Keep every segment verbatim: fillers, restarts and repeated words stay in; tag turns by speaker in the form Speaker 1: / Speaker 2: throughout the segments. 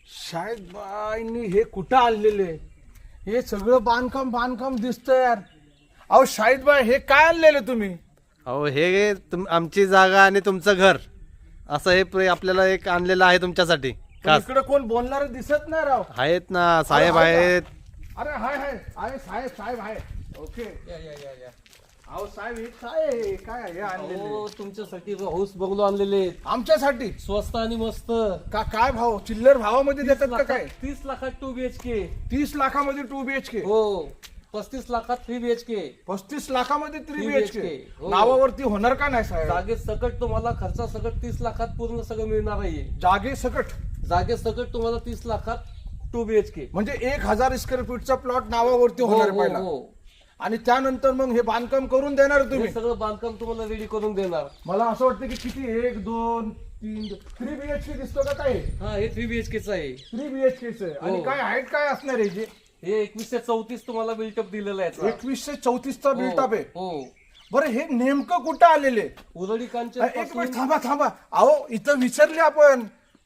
Speaker 1: शाळेत बाईंनी हे कुठं आणलेले? हे सगळं बांधकाम बांधकाम दिसतंय यार. अहो शाहिद बाई, हे काय आणलेलं तुम्ही?
Speaker 2: अहो हे तुम आमची जागा आणि तुमचं घर असं हे प्र- आपल्याला एक आणलेलं आहे तुमच्यासाठी.
Speaker 1: पण इकडे कोण बोलणार दिसत नाही राव.
Speaker 2: आहेत ना साहेब
Speaker 1: अरे, आहे
Speaker 2: आहेत.
Speaker 1: अरे हाय हाय आहे साहेब साहेब आहे. ओके या या या या. अहो साहेब हे काय आहे? काय आहे हे आणलेले?
Speaker 3: हो तुमच्यासाठी हाऊस बंगलो आणलेले आहेत.
Speaker 1: आमच्यासाठी
Speaker 3: स्वस्त आणि मस्त.
Speaker 1: का काय भाव? चिल्लर भावामध्ये देतात का काय?
Speaker 3: तीस लाखात टू बीएचके.
Speaker 1: तीस लाखामध्ये टू बीएचके,
Speaker 3: हो पस्तीस लाखात थ्री बीएचके.
Speaker 1: पस्तीस लाखामध्ये three
Speaker 3: three
Speaker 1: BHK.
Speaker 3: B H K. हो.
Speaker 1: नावावरती होणार का नाही साहेब?
Speaker 3: जागे सकट तुम्हाला खर्चा सकट तीस लाखात पूर्ण सगळं मिळणार आहे.
Speaker 1: जागे सकट
Speaker 3: जागे सकट तुम्हाला तीस लाखात टू बीएचके.
Speaker 1: म्हणजे एक हजार स्क्वेअर फीटचा प्लॉट नावावरती होणार आहे पहिला. आणि त्यानंतर मग हे बांधकाम करून देणार
Speaker 3: हे
Speaker 1: तुम्ही?
Speaker 3: सगळं बांधकाम तुम्हाला रेडी करून देणार.
Speaker 1: मला असं वाटतं की किती, एक दोन तीन थ्री बीएचके दिसतो का काय?
Speaker 3: हा हे थ्री बीएचकेच आहे.
Speaker 1: थ्री बीएचके आणि
Speaker 3: हो.
Speaker 1: काय हाईट काय असणार आहे? जे
Speaker 3: हे एकवीसशे चौतीस तुम्हाला बिल्टअप दिलेलं आहे याचं.
Speaker 1: एकवीसशे चौतीसचा बिल्टअप आहे.
Speaker 3: हो
Speaker 1: बरं हे नेमकं कुठं आलेले?
Speaker 3: उरळी कांचन
Speaker 1: एक मिनिट
Speaker 3: पासून-
Speaker 1: थांबा थांबा. अहो इथं विसरले आपण.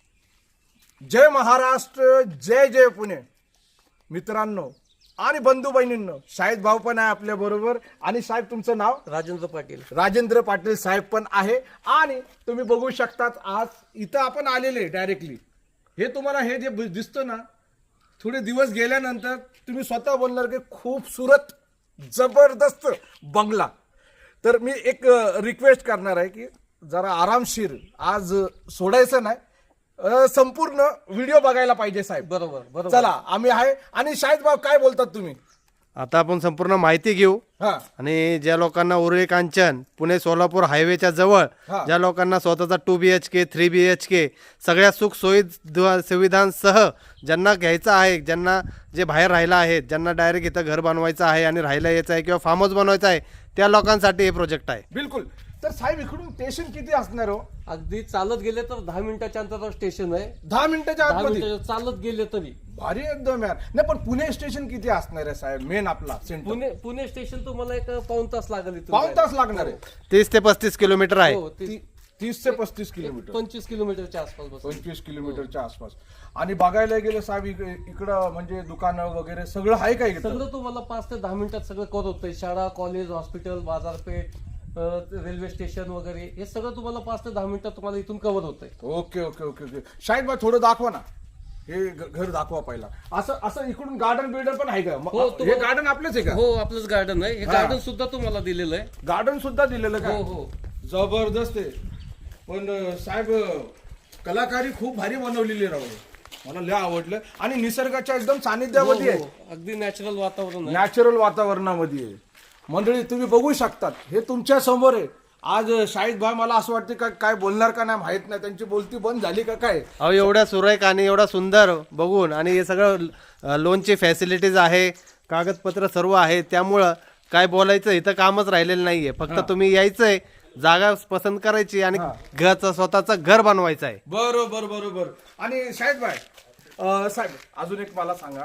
Speaker 1: जय महाराष्ट्र, जय जय पुणे. मित्रांनो आणि बंधू बहिणींनो, शाहिद भाऊ पण आहे आपल्या बरोबर. आणि साहेब तुमचं नाव?
Speaker 3: राजेंद्र पाटील.
Speaker 1: राजेंद्र पाटील साहेब पण आहे. आणि तुम्ही बघू शकतात आज इथं आपण आलेले डायरेक्टली. हे तुम्हाला हे जे दिसतं ना, थोडे दिवस गेल्यानंतर तुम्ही स्वतः बोलणार की खूपसूरत जबरदस्त बंगला. तर मी एक रिक्वेस्ट करणार आहे की जरा आरामशीर आज सोडायचं नाही, अ, संपूर्ण व्हिडिओ बघायला पाहिजे साहेब.
Speaker 3: बरोबर बरोबर.
Speaker 1: चला आम्ही आहे. आणि शाहिद भाऊ काय बोलतात तुम्ही?
Speaker 2: आता आपण संपूर्ण माहिती घेऊ.
Speaker 1: हा
Speaker 2: आणि ज्या लोकांना उरळी कांचन पुणे सोलापूर हायवेच्या जवळ
Speaker 1: हा.
Speaker 2: ज्या लोकांना स्वतःचा two B H K three B H K सगळ्या सुख सोयी दु- सुविधांसह ज्यांना घ्यायचं आहे, ज्यांना जे बाहेर राहिला आहेत, ज्यांना डायरेक्ट इथं घर बनवायचं आहे आणि राहायला यायचं आहे किंवा फार्म हाऊस बनवायचं आहे, त्या लोकांसाठी हे प्रोजेक्ट आहे.
Speaker 1: बिलकुल. तर साहेब इकडून स्टेशन किती असणार हो?
Speaker 3: अगदी चालत गेले तर दहा मिनिटाच्या अंतरावर स्टेशन आहे.
Speaker 1: दहा मिनिटाच्या
Speaker 3: दहा
Speaker 1: आतमध्ये?
Speaker 3: मिनिटाच्या चालत गेले तरी.
Speaker 1: भारी एकदम यार. नाही पण पुणे स्टेशन किती असणार आहे साहेब? मेन आपला सेंटर
Speaker 3: पुणे पुणे स्टेशन तुम्हाला एक पाऊण तास लागेल इथून
Speaker 1: पाऊन
Speaker 3: जायला.
Speaker 1: तास लागणार आहे.
Speaker 2: तीस ते पस्तीस किलोमीटर आहे.
Speaker 3: हो ती-
Speaker 1: ती- तीस ते पस्तीस किलोमीटर,
Speaker 3: पंचवीस किलोमीटरच्या आसपास बस.
Speaker 1: पंचवीस किलोमीटरच्या आसपास. आणि बघायला गेलं साहेब इक- इकडं म्हणजे दुकानं वगैरे सगळं आहे का इकडं?
Speaker 3: सगळं तुम्हाला पाच ते दहा मिनिटात सगळं कव्हर होतंय. शाळा, कॉलेज, हॉस्पिटल, बाजारपेठ, अ, रेल्वे स्टेशन वगैरे हे सगळं तुम्हाला पाच ते दहा मिनिटात तुम्हाला इथून कव्हर होतंय.
Speaker 1: Okay okay okay okay. Shahid भाई थोडं दाखवा ना, हे घ- घर दाखवा पहिला. असं असं इकडून गार्डन बिल्डर पण आहे का? म-
Speaker 3: हो,
Speaker 1: हे
Speaker 3: तुम्हाला-
Speaker 1: गार्डन आपलंच आहे का?
Speaker 3: हो आपलंच गार्डन आहे. हे
Speaker 1: हा.
Speaker 3: गार्डन सुद्धा तुम्हाला दिलेलं आहे.
Speaker 1: गार्डन सुद्धा दिलेलं का?
Speaker 3: हो हो.
Speaker 1: जबरदस्त आहे. पण अं, साहेब अं, कलाकारी खूप भारी बनवलेली राहू. मला लय आवडलं. आणि निसर्गाच्या एकदम सानिध्यामध्ये
Speaker 3: हो,
Speaker 1: आहे,
Speaker 3: हो. अगदी नॅचरल वातावरण आहे.
Speaker 1: नॅचरल वातावरणामध्ये आहे. मंडळी तुम्ही बघू शकतात, हे तुमच्या समोर आहे. आज अं, शाहिद भाई मला असं वाटतं का काय बोलणार का नाही माहित नाही, त्यांची बोलती बंद झाली का काय?
Speaker 2: अहो एवढ्या सुरेख आणि एवढा सुंदर बघून आणि हे सगळं अ, लोनची फॅसिलिटीज आहे, कागदपत्र सर्व आहे, त्यामुळं काय बोलायचं इथं कामच राहिलेलं नाहीये. फक्त तुम्ही यायचंय, जागा पसंत करायची आणि घरचं स्वतःचं घर बनवायचं आहे.
Speaker 1: बरोबर बरोबर. आणि शाहिद भाई अं, साहेब अजून एक मला सांगा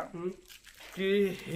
Speaker 1: की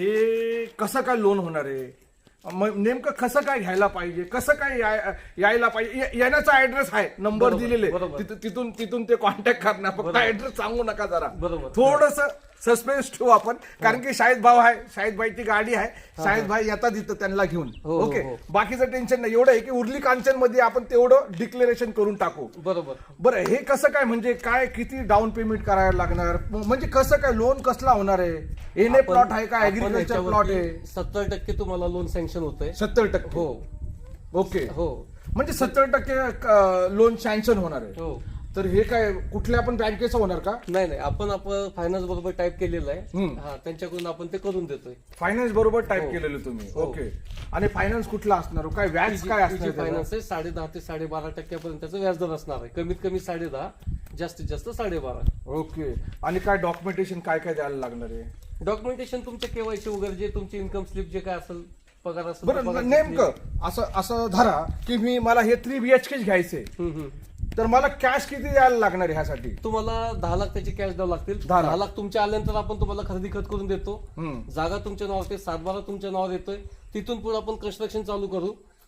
Speaker 1: हे कसं काय लोन होणार आहे? मग नेमकं कसं काय घ्यायला पाहिजे, कसं काय याय- यायला पाहिजे? ये- येण्याचा ऍड्रेस आहे, नंबर
Speaker 3: बरोबर,
Speaker 1: दिलेले,
Speaker 3: बरोबर.
Speaker 1: तिथं- तिथून तिथून ते कॉन्टॅक्ट करणार. फक्त ऍड्रेस सांगू नका जरा.
Speaker 3: बरोबर.
Speaker 1: थोडस सस्पेन्स ठेवू आपण, कारण की शाहिद भाऊ आहे, शाहिद भाईची गाडी आहे, शाहिद भाई येतात इथं त्यांना घेऊन.
Speaker 3: हो, हो,
Speaker 1: ओके,
Speaker 3: हो.
Speaker 1: बाकीचं टेन्शन नाही. एवढं आहे की उरली कांचन मध्ये आपण तेवढं डिक्लेरेशन करून टाकू.
Speaker 3: बरोबर.
Speaker 1: बरं हे कसं काय, म्हणजे काय किती डाऊन पेमेंट करायला लागणार, म्हणजे कसं काय लोन कसला होणार आहे? एन ए
Speaker 3: आपण-
Speaker 1: प्लॉट आहे का,
Speaker 3: आपण
Speaker 1: ऍग्रिकल्चर प्लॉट आहे?
Speaker 3: याच्यावरती सत्तर टक्के तुम्हाला लोन सँक्शन होतंय.
Speaker 1: सत्तर टक्के
Speaker 3: हो
Speaker 1: ओके.
Speaker 3: हो
Speaker 1: म्हणजे सत्तर टक्के लोन सँक्शन होणार आहे.
Speaker 3: हो.
Speaker 1: तर हे काय कुठल्या पण बँकेचं होणार का?
Speaker 3: नाही नाही आपण आपण फायनान्स बरोबर टाईप केलेलं आहे.
Speaker 1: हम्म.
Speaker 3: हा त्यांच्याकडून आपण ते करून देतोय.
Speaker 1: फायनान्स बरोबर टाईप
Speaker 3: हो.
Speaker 1: केलेलं तुम्ही.
Speaker 3: हो.
Speaker 1: ओके. आणि फायनान्स कुठला असणार, काय व्याज काय असणार त्याचं?
Speaker 3: फायनान्स आहे साडे दहा ते साडेबारा टक्क्यापर्यंतचं व्याजदर असणार आहे. कमीत कमी साडे दहा, जास्तीत जास्त साडेबारा.
Speaker 1: ओके. आणि काय डॉक्युमेंटेशन काय काय द्यायला लागणार आहे?
Speaker 3: डॉक्युमेंटेशन तुमचे केवायसी वगैरे जे तुमची इन्कम स्लिप जे काय असेल, पगार असेल,
Speaker 1: बरं
Speaker 3: पगाराची
Speaker 1: नेमकं
Speaker 3: slip.
Speaker 1: असं असं धरा की मी मला हे थ्री बीएचके घ्यायचे,
Speaker 3: हम्म, हम्म.
Speaker 1: तर मला कॅश किती द्यायला लागणार आहे ह्यासाठी?
Speaker 3: तुम्हाला दहा लाख त्याची कॅश द्यावं लागतील.
Speaker 1: दहा लाख.
Speaker 3: दहा लाख तुमच्या आल्यानंतर आपण तुम्हाला खरेदी खत करून देतो.
Speaker 1: हम्म.
Speaker 3: जागा तुमच्या नावावर, ते सातबारा तुमच्या नावावर येतोय. तिथून पुढे आपण कन्स्ट्रक्शन चालू करू.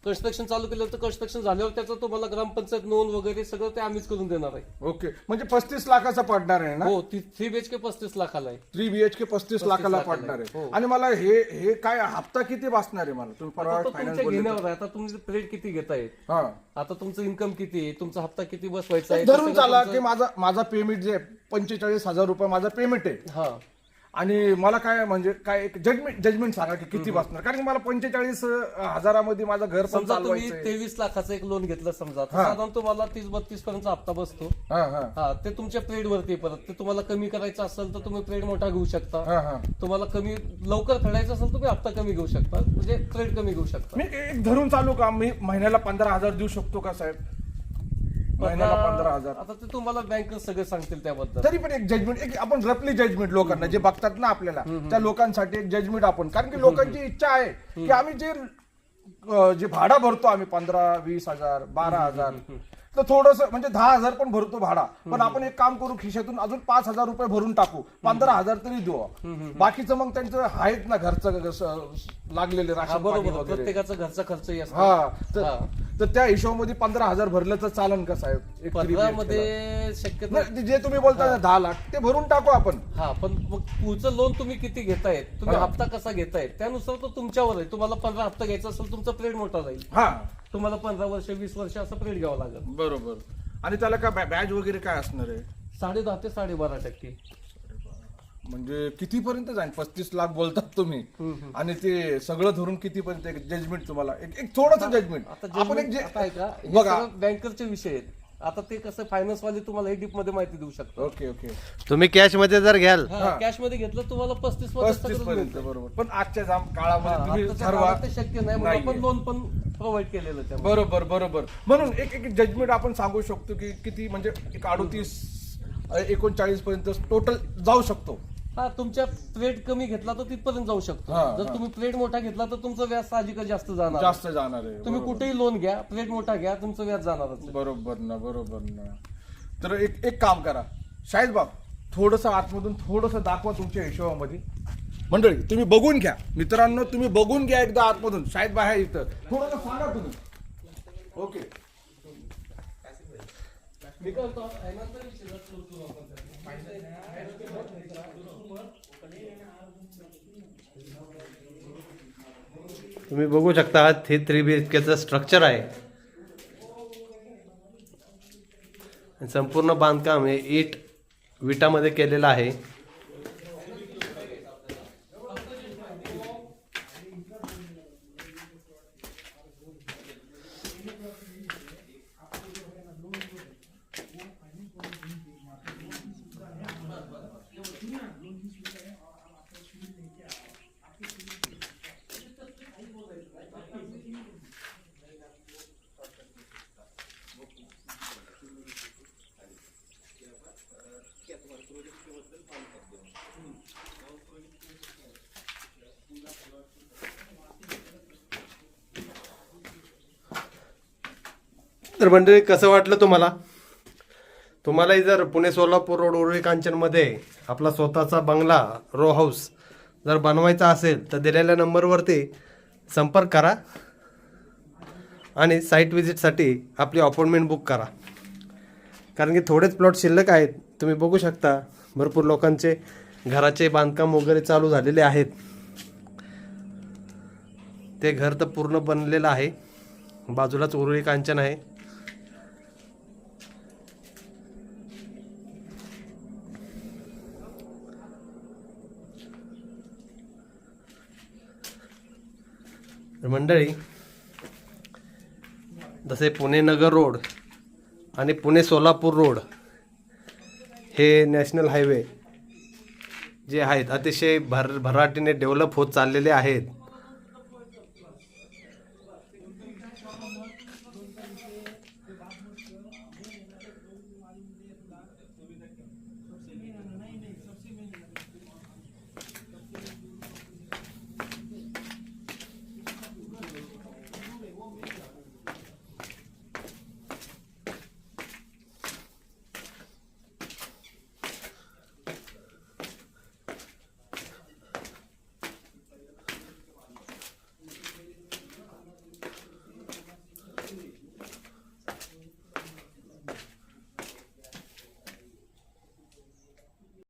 Speaker 3: कन्स्ट्रक्शन चालू केलं तर कन्स्ट्रक्शन झाल्यावर त्याचं तुम्हाला ग्रामपंचायत नोंद वगैरे सगळं ते आम्हीच करून देणार आहे.
Speaker 1: ओके, म्हणजे पस्तीस लाखाचा पडणार आहे ना?
Speaker 3: हो, थ्री बीएचके पस्तीस लाखाला आहे.
Speaker 1: थ्री बीएचके पस्तीस लाखाला
Speaker 3: लाखाला
Speaker 1: पडणार
Speaker 3: आहे.
Speaker 1: आहे.
Speaker 3: हो.
Speaker 1: आणि मला हे हे काय हप्ता किती बसणार आहे मला? तुम्ही
Speaker 3: आता
Speaker 1: परवा
Speaker 3: तो
Speaker 1: फायनान्स
Speaker 3: तुमच्या
Speaker 1: बोलले
Speaker 3: घेण्यावर आहे. आता तुमचे प्लेट किती घेतायत,
Speaker 1: हा,
Speaker 3: आता तुमचं इन्कम किती आहे, तुमचा हप्ता किती बसवायचा आहे,
Speaker 1: धरून
Speaker 3: ते
Speaker 1: चाला
Speaker 3: सगळं
Speaker 1: की माझा माझा पेमेंट जे पंचेचाळीस हजार रुपये माझा पेमेंट आहे.
Speaker 3: तुमचं- हा
Speaker 1: आणि मला काय म्हणजे काय एक जजमेंट जजमेंट सांगा की किती बसणार, कारण की मला पंचेचाळीस हजारामध्ये माझं घर पण
Speaker 3: समजा तुम्ही
Speaker 1: चालवायचं.
Speaker 3: तेवीस लाखाचं एक लोन घेतलं समजा, तर साधारण तुम्हाला तीस बत्तीस पर्यंत हप्ता बसतो.
Speaker 1: हा हा
Speaker 3: हा, ते तुमच्या प्लेट वरती आहे. परत ते तुम्हाला कमी करायचं असेल तर तुम्ही प्लेट मोठा घेऊ शकता.
Speaker 1: हा हा
Speaker 3: तुम्हाला कमी लवकर फेडायचं असेल तर तुम्ही हप्ता कमी घेऊ शकता, म्हणजे प्लेट कमी घेऊ शकता.
Speaker 1: मी एक धरून चालू का, मी महिन्याला पंधरा हजार देऊ शकतो का साहेब? महिन्याला पंधरा हजार
Speaker 3: आता ते तुम्हाला बँक सगळे सांगतील त्याबद्दल.
Speaker 1: तरी पण एक जजमेंट, एक आपण रफली जजमेंट लोकांना जे बघतात ना आपल्याला, त्या लोकांसाठी एक जजमेंट आपण, कारण की लोकांची इच्छा आहे की आम्ही जे अं, जे भाडा भरतो आम्ही पंधरा वीस हजार बारा हजार, तर थोडस म्हणजे दहा हजार पण भरतो भाडा, पण आपण एक काम करू, खिशातून अजून पाच हजार रुपये भरून टाकू, पंधरा हजार तरी देऊ. बाकीचं मग त्यांचं आहेत ना घरचं घरचं लागलेले
Speaker 3: हा,
Speaker 1: राशन पाणी
Speaker 3: बरोबर,
Speaker 1: वगैरे.
Speaker 3: प्रत्येकाचा घरचा खर्चही असतो.
Speaker 1: हा तर-
Speaker 3: हा.
Speaker 1: तर त्या हिशोबामध्ये पंधरा हजार भरलं तर चालन का साहेब? एक three B H K ला?
Speaker 3: मध्ये शक्यतो
Speaker 1: नाही, जे तुम्ही बोलता ना दहा लाख ते भरून टाकू आपण.
Speaker 3: हा, पण मग पुढचं लोन तुम्ही किती घेतायत, तुम्ही
Speaker 1: हा.
Speaker 3: हप्ता कसा घेतायत त्यानुसार तो तुमच्यावर आहे. तुम्हाला पंधरा हप्ता घ्यायचा असेल तुमचा प्लेट मोठा जाईल.
Speaker 1: हा
Speaker 3: तुम्हाला पंधरा वर्ष वीस वर्ष असं प्लेट घ्यावं लागेल.
Speaker 1: बरोबर. आणि त्याला काय बॅज वगैरे काय असणार आहे?
Speaker 3: साडे दहा ते साडेबारा टक्के.
Speaker 1: म्हणजे कितीपर्यंत जाईल? पस्तीस लाख बोलतात तुम्ही, आणि ते सगळं धरून कितीपर्यंत एक जजमेंट तुम्हाला, एक एक थोडंसं जजमेंट
Speaker 3: आता
Speaker 1: आपण एक
Speaker 3: judgment
Speaker 1: जे
Speaker 3: आता आहे का, हे
Speaker 1: बघा.
Speaker 3: सगळं बँकरचे विषय आहेत. आता ते कसं फायनान्स वाले तुम्हाला हे डीप मध्ये माहिती देऊ शकतात.
Speaker 1: ओके ओके
Speaker 2: तुम्ही कॅश मध्ये जर घ्याल
Speaker 3: कॅश मध्ये घेतलं तुम्हाला पस्तीस मध्ये
Speaker 1: पस्तीस
Speaker 3: सगळं
Speaker 1: पर्यंत
Speaker 3: मिळतं.
Speaker 1: बरोबर. पण आजच्या जाम काळामध्ये तुम्ही
Speaker 3: आताच्या
Speaker 1: ठरवा.
Speaker 3: काळात ते शक्य नाही म्हणून
Speaker 1: नाहीये.
Speaker 3: आपण लोन पण प्रोव्हाइड केलेलं त्यामुळे.
Speaker 1: बरोबर बरोबर. म्हणून एक एक जजमेंट आपण सांगू शकतो की किती, म्हणजे एक अडोतीस एकोणचाळीस पर्यंत टोटल जाऊ शकतो.
Speaker 3: हा, तुमच्या प्लेट कमी घेतला तर तिथपर्यंत जाऊ शकतो.
Speaker 1: हा,
Speaker 3: जर
Speaker 1: हा.
Speaker 3: तुम्ही प्लेट मोठा घेतला तर तुमचं व्याज साहजिकच जास्त जाणार.
Speaker 1: जास्त जाणार आहे.
Speaker 3: तुम्ही
Speaker 1: बरोबर.
Speaker 3: कुठेही लोन घ्या, प्लेट मोठा घ्या, तुमचं व्याज जाणारच.
Speaker 1: बरोबर ना, बरोबर ना. तर एक एक काम करा शाहीद बाब, थोडस आतमधून थोडस दाखवा तुमच्या हिशोबामध्ये. मंडळी तुम्ही बघून घ्या, मित्रांनो तुम्ही बघून घ्या एकदा आतमधून. शाहीद बाहेर इथं थोडस सांगा तुम्ही. ओके.
Speaker 3: मी काय म्हणतो, फायनान्सचा विषय जर सुरू करू आपण त्याचा.
Speaker 2: तुम्ही बघू शकता हे थ्री बी एच केचं स्ट्रक्चर आहे. संपूर्ण बांधकाम हे इट विटामध्ये केलेलं आहे. तर मंडळी कसं वाटलं तुम्हाला? तुम्हालाही जर पुणे सोलापूर रोड उरुळी कांचनमध्ये आपला स्वतःचा बंगला रो हाऊस जर बनवायचा असेल तर दिलेल्या नंबरवरती संपर्क करा आणि साईट व्हिजिटसाठी आपली अपॉइंटमेंट बुक करा. कारण की थोडेच प्लॉट शिल्लक आहेत. तुम्ही बघू शकता भरपूर लोकांचे घराचे बांधकाम वगैरे चालू झालेले आहेत. ते घर तर पूर्ण बनलेलं आहे. बाजूलाच उरुळी कांचन आहे. मंडळी जसे पुणे नगर रोड आणि पुणे सोलापूर रोड हे नॅशनल हायवे जे आहेत अतिशय भर भराटीने डेव्हलप होत चाललेले आहेत.